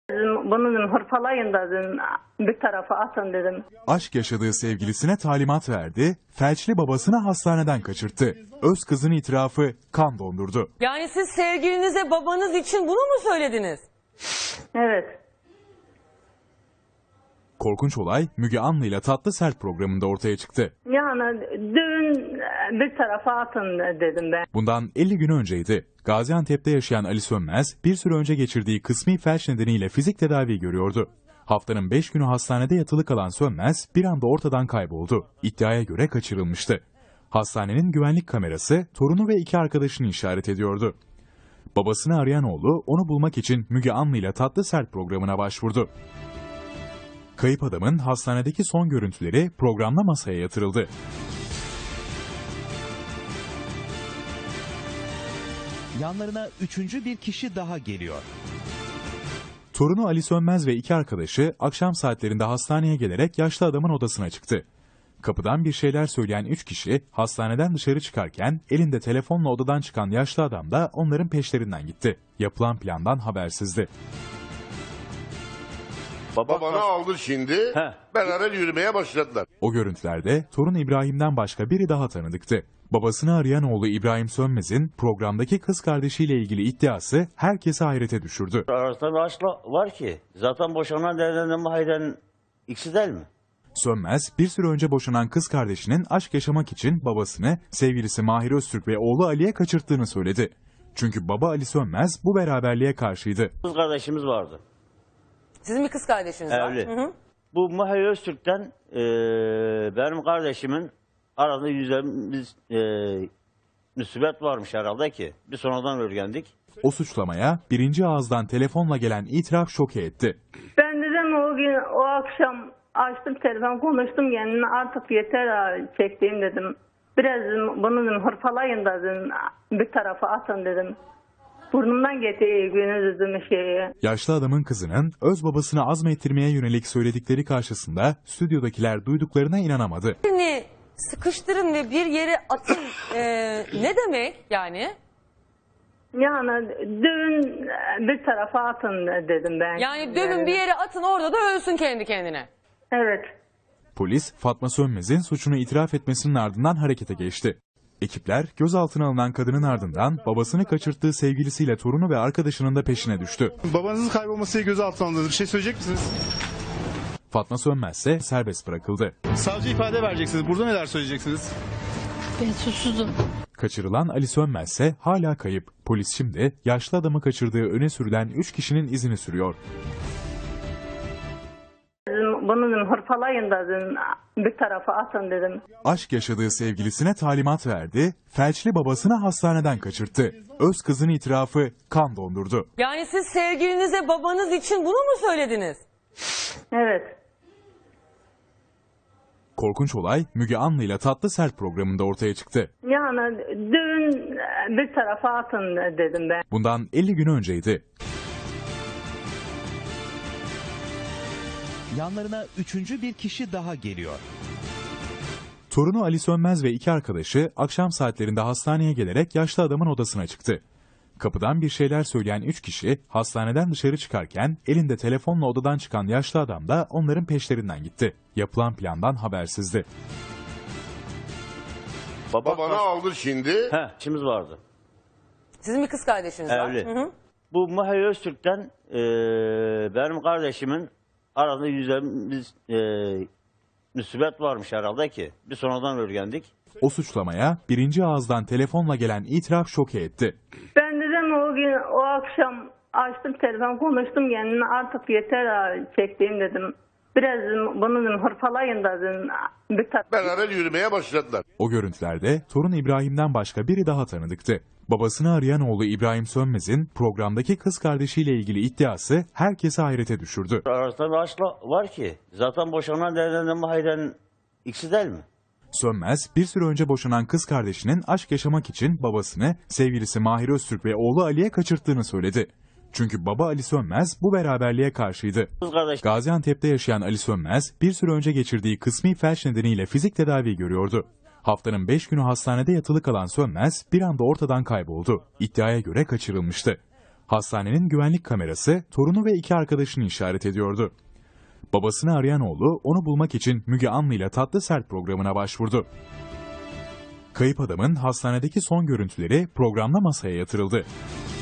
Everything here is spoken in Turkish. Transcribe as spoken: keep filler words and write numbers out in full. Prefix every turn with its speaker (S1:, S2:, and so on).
S1: Bunu dedim, hırpalayın da dedim, bir tarafa atın dedim.
S2: Aşk yaşadığı sevgilisine talimat verdi, felçli babasını hastaneden kaçırttı. Öz kızın itirafı kan dondurdu.
S3: Yani siz sevgilinize babanız için bunu mu söylediniz?
S1: Evet.
S2: Korkunç olay Müge Anlı ile Tatlı Sert programında ortaya çıktı.
S1: Yani düğün bir tarafa atın dedim ben.
S2: Bundan elli gün önceydi. Gaziantep'te yaşayan Ali Sönmez bir süre önce geçirdiği kısmi felç nedeniyle fizik tedavi görüyordu. Haftanın beş günü hastanede yatılı kalan Sönmez bir anda ortadan kayboldu. İddiaya göre kaçırılmıştı. Hastanenin güvenlik kamerası torunu ve iki arkadaşını işaret ediyordu. Babasını arayan oğlu onu bulmak için Müge Anlı ile Tatlı Sert programına başvurdu. Kayıp adamın hastanedeki son görüntüleri programla masaya yatırıldı.
S4: Yanlarına üçüncü bir kişi daha geliyor.
S2: Torunu Ali Sönmez ve iki arkadaşı akşam saatlerinde hastaneye gelerek yaşlı adamın odasına çıktı. Kapıdan bir şeyler söyleyen üç kişi hastaneden dışarı çıkarken elinde telefonla odadan çıkan yaşlı adam da onların peşlerinden gitti. Yapılan plandan habersizdi.
S5: Baba bana aldı şimdi.
S6: He.
S5: Beraber yürümeye başladılar.
S2: O görüntülerde torun İbrahim'den başka biri daha tanıdıktı. Babasını arayan oğlu İbrahim Sönmez'in programdaki kız kardeşiyle ilgili iddiası herkesi hayrete düşürdü.
S6: Arasında bir aşk var ki. Zaten boşanan derden mahiden ikisi değil mi?
S2: Sönmez, bir süre önce boşanan kız kardeşinin aşk yaşamak için babasını, sevgilisi Mahir Öztürk ve oğlu Ali'ye kaçırttığını söyledi. Çünkü baba Ali Sönmez bu beraberliğe karşıydı.
S6: Kız kardeşimiz vardı.
S3: Sizin bir kız kardeşiniz var.
S6: Evli.
S3: Hı hı.
S6: Bu Mahir Öztürk'ten e, benim kardeşimin arasında yüzlerimiz e, müsibet varmış herhalde ki. Bir sonradan öğrendik.
S2: O suçlamaya birinci ağızdan telefonla gelen itiraf şoke etti.
S1: Ben dedim o gün, o akşam açtım telefon, konuştum kendime, artık yeter ha, çektiğim dedim. Biraz dedim, bunu dedim, hırpalayın da dedim, bir tarafa atın dedim. Burnumdan getirdi günü dedim şeyi.
S2: Yaşlı adamın kızının öz babasını azmettirmeye yönelik söyledikleri karşısında stüdyodakiler duyduklarına inanamadı.
S3: Birini sıkıştırın ve bir yere atın e, ne demek yani?
S1: Yani düğün bir tarafa atın dedim ben.
S3: Yani dövün bir yere atın, orada da ölsün kendi kendine.
S1: Evet.
S2: Polis Fatma Sönmez'in suçunu itiraf etmesinin ardından harekete geçti. Ekipler gözaltına alınan kadının ardından babasını kaçırttığı sevgilisiyle torunu ve arkadaşının da peşine düştü.
S7: Babanızın kaybolmasıyla gözaltına alındınız. Bir şey söyleyecek misiniz?
S2: Fatma Sönmez ise serbest bırakıldı.
S7: Savcı ifade vereceksiniz. Burada neler söyleyeceksiniz?
S8: Ben suçsuzum.
S2: Kaçırılan Ali Sönmez ise hala kayıp. Polis şimdi yaşlı adamı kaçırdığı öne sürülen üç kişinin izini sürüyor.
S1: Bunu dedim, hırpalayın da dedim, bir tarafa atın dedim.
S2: Aşk yaşadığı sevgilisine talimat verdi, felçli babasını hastaneden kaçırttı. Öz kızın itirafı kan dondurdu.
S3: Yani siz sevgilinize babanız için bunu mu söylediniz?
S1: Evet.
S2: Korkunç olay Müge Anlı ile Tatlı Sert programında ortaya çıktı.
S1: Yani düğün bir tarafa atın dedim ben.
S2: Bundan elli gün önceydi.
S4: Yanlarına üçüncü bir kişi daha geliyor.
S2: Torunu Ali Sönmez ve iki arkadaşı akşam saatlerinde hastaneye gelerek yaşlı adamın odasına çıktı. Kapıdan bir şeyler söyleyen üç kişi hastaneden dışarı çıkarken elinde telefonla odadan çıkan yaşlı adam da onların peşlerinden gitti. Yapılan plandan habersizdi.
S5: Baba bana aldı şimdi.
S6: He, işimiz vardı.
S3: Sizin bir kız kardeşiniz var.
S6: Evli.
S3: Hı hı.
S6: Bu Mahir Öztürk'ten e, benim kardeşimin arasında yüzlerimiz e, müsibet varmış herhalde ki. Bir sonradan öğrendik.
S2: O suçlamaya birinci ağızdan telefonla gelen itiraf şoke etti.
S1: Ben dedim o gün, o akşam açtım telefon, konuştum kendime, artık yeter ha, çektiğim dedim. Biraz dedim, bunu dedim, hırpalayın da dedim, bir tarafa.
S5: Beraber yürümeye başladılar.
S2: O görüntülerde torun İbrahim'den başka biri daha tanıdıktı. Babasını arayan oğlu İbrahim Sönmez'in programdaki kız kardeşiyle ilgili iddiası herkesi hayrete düşürdü.
S6: Arasında bir aşk var ki. Zaten boşanan derden mahiden ikisi değil mi?
S2: Sönmez, bir süre önce boşanan kız kardeşinin aşk yaşamak için babasını, sevgilisi Mahir Öztürk ve oğlu Ali'ye kaçırttığını söyledi. Çünkü baba Ali Sönmez bu beraberliğe karşıydı.
S6: Kız kardeş.
S2: Gaziantep'te yaşayan Ali Sönmez, bir süre önce geçirdiği kısmi felç nedeniyle fizik tedavi görüyordu. Haftanın beş günü hastanede yatılı kalan Sönmez bir anda ortadan kayboldu. İddiaya göre kaçırılmıştı. Hastanenin güvenlik kamerası torunu ve iki arkadaşını işaret ediyordu. Babasını arayan oğlu onu bulmak için Müge Anlı ile Tatlı Sert programına başvurdu. Kayıp adamın hastanedeki son görüntüleri programla masaya yatırıldı.